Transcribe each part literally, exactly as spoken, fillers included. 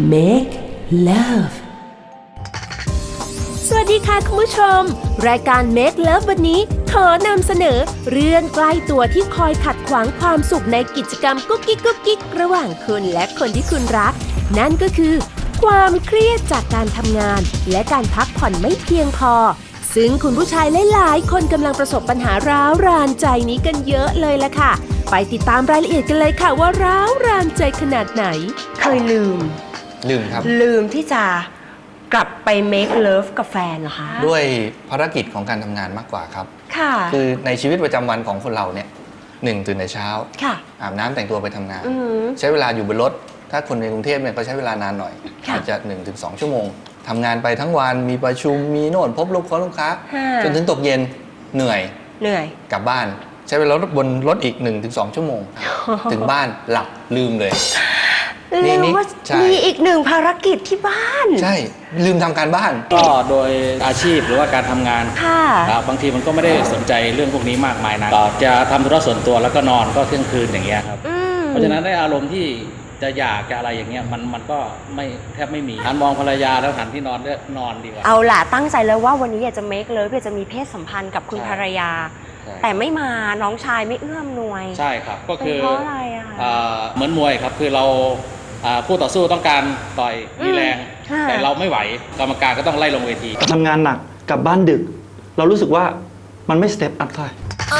Make Love สวัสดีค่ะคุณผู้ชมรายการ Make Love วันนี้ขอนำเสนอเรื่องใกล้ตัวที่คอยขัดขวางความสุขในกิจกรรมกุ๊กกิ๊กกุ๊กกิ๊กระหว่างคุณและคนที่คุณรักนั่นก็คือความเครียดจากการทำงานและการพักผ่อนไม่เพียงพอซึ่งคุณผู้ชายหลายๆคนกำลังประสบปัญหาร้าวรานใจนี้กันเยอะเลยล่ะค่ะไปติดตามรายละเอียดกันเลยค่ะว่าร้าวรานใจขนาดไหนเคยลืมลืมครับลืมที่จะกลับไป make love กับแฟนเหรอคะด้วยภารกิจของการทำงานมากกว่าครับค่ะคือในชีวิตประจำวันของคนเราเนี่ยหนึ่งตื่นแต่เช้าอาบน้ำแต่งตัวไปทำงานใช้เวลาอยู่บนรถถ้าคนในกรุงเทพเนี่ยก็ใช้เวลานานหน่อยอาจจะ หนึ่งถึงสอง ชั่วโมงทำงานไปทั้งวันมีประชุมมีโน่นพบลูกค้าลูกค้าจนถึงตกเย็นเหนื่อยเหนื่อยกลับบ้านใช้เวลาบนรถอีก หนึ่งถึงสอง ชั่วโมงถึงบ้านหลับลืมเลยลืมว่ามีอีกหนึ่งภารกิจที่บ้านใช่ลืมทำการบ้านก็โดยอาชีพหรือว่าการทำงานบางทีมันก็ไม่ได้สนใจเรื่องพวกนี้มากมายนะก็จะทำธุระส่วนตัวแล้วก็นอนก็เที่ยงคืนอย่างเงี้ยครับเพราะฉะนั้นได้อารมณ์ที่จะอยากจะอะไรอย่างเงี้ยมันมันก็ไม่แทบไม่มีหันมองภรรยาแล้วหันที่นอนเลือกนอนดีกว่าเอาล่ะตั้งใจแล้วว่าวันนี้อยากจะเมคเลยอยากจะมีเพศสัมพันธ์กับคุณภรรยาแต่ไม่มาน้องชายไม่เอื้อมหน่วยใช่ครับก็คือเพราะอะไรอ่ะเหมือนมวยครับคือเราผู้ต่อสู้ต้องการต่อยมีแรงแต่เราไม่ไหวกรรมการก็ต้องไล่ลงเวทีทำงานหนักกลับบ้านดึกเรารู้สึกว่ามันไม่สเต็ปอัพเท่าไหร่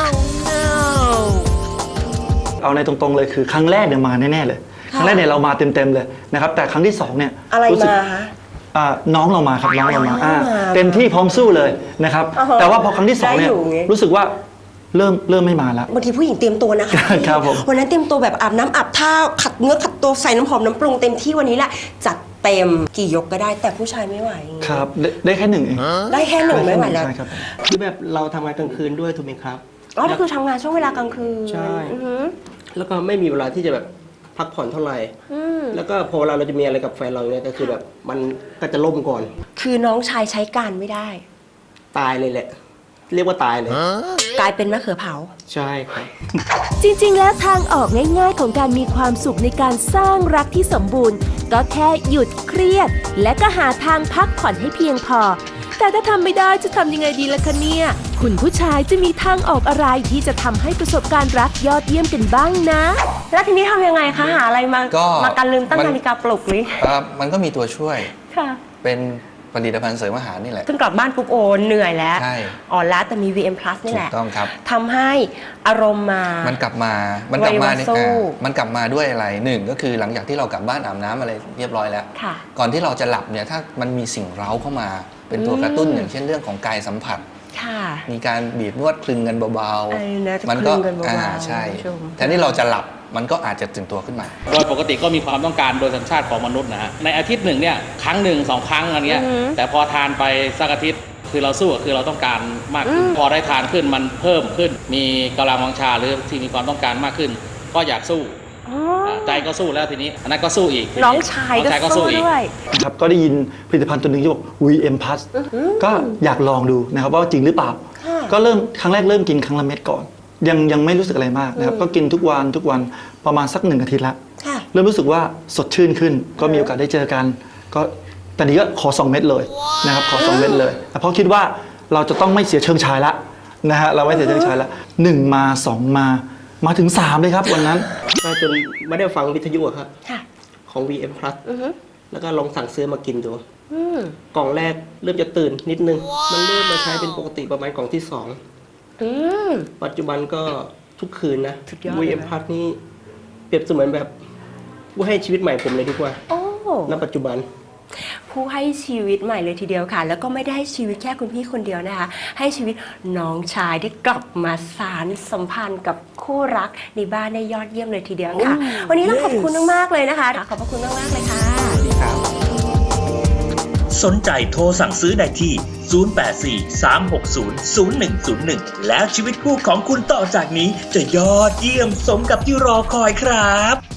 เอาในตรงๆเลยคือครั้งแรกเนี่ยมาแน่ๆเลยครั้งแรกเนี่ยเรามาเต็มๆเลยนะครับแต่ครั้งที่สองเนี่ยอะไรมาคะน้องเรามาครับน้องเรามาเต็มที่พร้อมสู้เลยนะครับแต่ว่าพอครั้งที่สองเนี่ยรู้สึกว่าเริ่มเริ่มไม่มาแล้วบางทีผู้หญิงเตรียมตัวนะคะครับผมวันนั้นเตรียมตัวแบบอาบน้ำอาบท่าขัดเนื้อขัดตัวใส่น้ำหอมน้ำปรุงเต็มที่วันนี้แหละจัดเต็มกี่ยกก็ได้แต่ผู้ชายไม่ไหวครับได้แค่หนึ่งเองได้แค่หนึ่งไม่ไหวแล้วคือแบบเราทำงานกลางคืนด้วยถูกไหมครับอ๋อก็คือทำงานช่วงเวลากลางคืนใช่แล้วก็ไม่มีเวลาที่จะแบบพักผ่อนเท่าไหร่แล้วก็พอเวลาเราจะมีอะไรกับแฟนเราเนี่ยก็คือแบบมันก็จะล่มก่อนคือน้องชายใช้การไม่ได้ตายเลยแหละเรียกว่าตายเลยกลายเป็นมะเขือเผาใช่ครับจริงๆแล้วทางออกง่ายๆของการมีความสุขในการสร้างรักที่สมบูรณ์ก็แค่หยุดเครียดและก็หาทางพักผ่อนให้เพียงพอแต่ถ้าทำไม่ได้จะทำยังไงดีล่ะคะเนี่ยคุณผู้ชายจะมีทางออกอะไรที่จะทำให้ประสบการณ์รักยอดเยี่ยมกันบ้างนะแล้วทีนี้ทำยังไงคะหาอะไรมามาการลืมตั้งนาฬิกาปลุกนี่มันก็มีตัวช่วยค่ะเป็นผลิตภัณฑ์เสริมอาหารนี่แหละซึ่งกลับบ้านปุ๊บโอเหนื่อยแล้วอ่อนล้าแต่มี วี เอ็ม Plus นี่แหละถูกต้องครับทำให้อารมณ์มามันกลับมามันกลับมาเนี่ยมันกลับมาด้วยอะไรหนึ่งก็คือหลังจากที่เรากลับบ้านอาบน้ำอะไรเรียบร้อยแล้วก่อนที่เราจะหลับเนี่ยถ้ามันมีสิ่งเร้าเข้ามาเป็นตัวกระตุ้นอย่างเช่นเรื่องของกายสัมผัสมีการบีบนวดคลึงกันเบาๆมันก็อ่าใช่แทนที่เราจะหลับมันก็อาจจะตื่นตัวขึ้นมาโดยปกติก็มีความต้องการโดยสัญชาติของมนุษย์นะฮะในอาทิตย์หนึ่งเนี่ยครั้งหนึ่งสองครั้งอะไรเงี้ยแต่พอทานไปสักอาทิตย์คือเราสู้คือเราต้องการมากขึ้นพอได้ทานขึ้นมันเพิ่มขึ้นมีกำลังวังชาหรือที่มีความต้องการมากขึ้นก็อยากสู้ใจก็สู้แล้วทีนี้อันนั้นก็สู้อีกน้องชายก็สู้ด้วยครับก็ได้ยินผลิตภัณฑ์ตัวหนึ่งที่บอก วี เอ็ม Plus ก็อยากลองดูนะครับว่าจริงหรือเปล่าก็เริ่มครั้งแรกเริ่มกินครั้งละเม็ดก่อนยังยังไม่รู้สึกอะไรมากนะครับก็กินทุกวันทุกวันประมาณสักหนึ่งอาทิตย์ละเริ่มรู้สึกว่าสดชื่นขึ้นก็มีโอกาสได้เจอกันก็ตอนนี้ก็ขอสองเม็ดเลยนะครับขอสองเม็ดเลยแต่เพราะคิดว่าเราจะต้องไม่เสียเชิงชายละนะฮะเราไม่เสียเชิงชายละหนึ่งมาสองมามาถึงสามเลยครับวันนั้นจนไม่ได้ฟังวิทยุครับของ วี เอ็ม Plus แล้วก็ลองสั่งซื้อมากินดูกล่องแรกเริ่มจะตื่นนิดนึงมันเริ่มมาใช้เป็นปกติประมาณกล่องที่สองปัจจุบันก็ทุกคืนนะ วี เอ็ม Plus นี่เปรียบเสมือนแบบผู้ให้ชีวิตใหม่ผมเลยดีกว่าณปัจจุบันผู้ให้ชีวิตใหม่เลยทีเดียวค่ะแล้วก็ไม่ได้ให้ชีวิตแค่คุณพี่คนเดียวนะคะให้ชีวิตน้องชายได้กลับมาสานสัมพันธ์กับคู่รักในบ้านได้ยอดเยี่ยมเลยทีเดียวค่ะวันนี้ต้องขอบคุณมากๆเลยนะคะขอบพระคุณมากๆเลยค่ะสวัสดีครับสนใจโทรสั่งซื้อได้ที่ศูนย์ แปด สี่ สาม หก ศูนย์ ศูนย์ หนึ่ง ศูนย์ หนึ่งแล้วชีวิตคู่ของคุณต่อจากนี้จะยอดเยี่ยมสมกับที่รอคอยครับ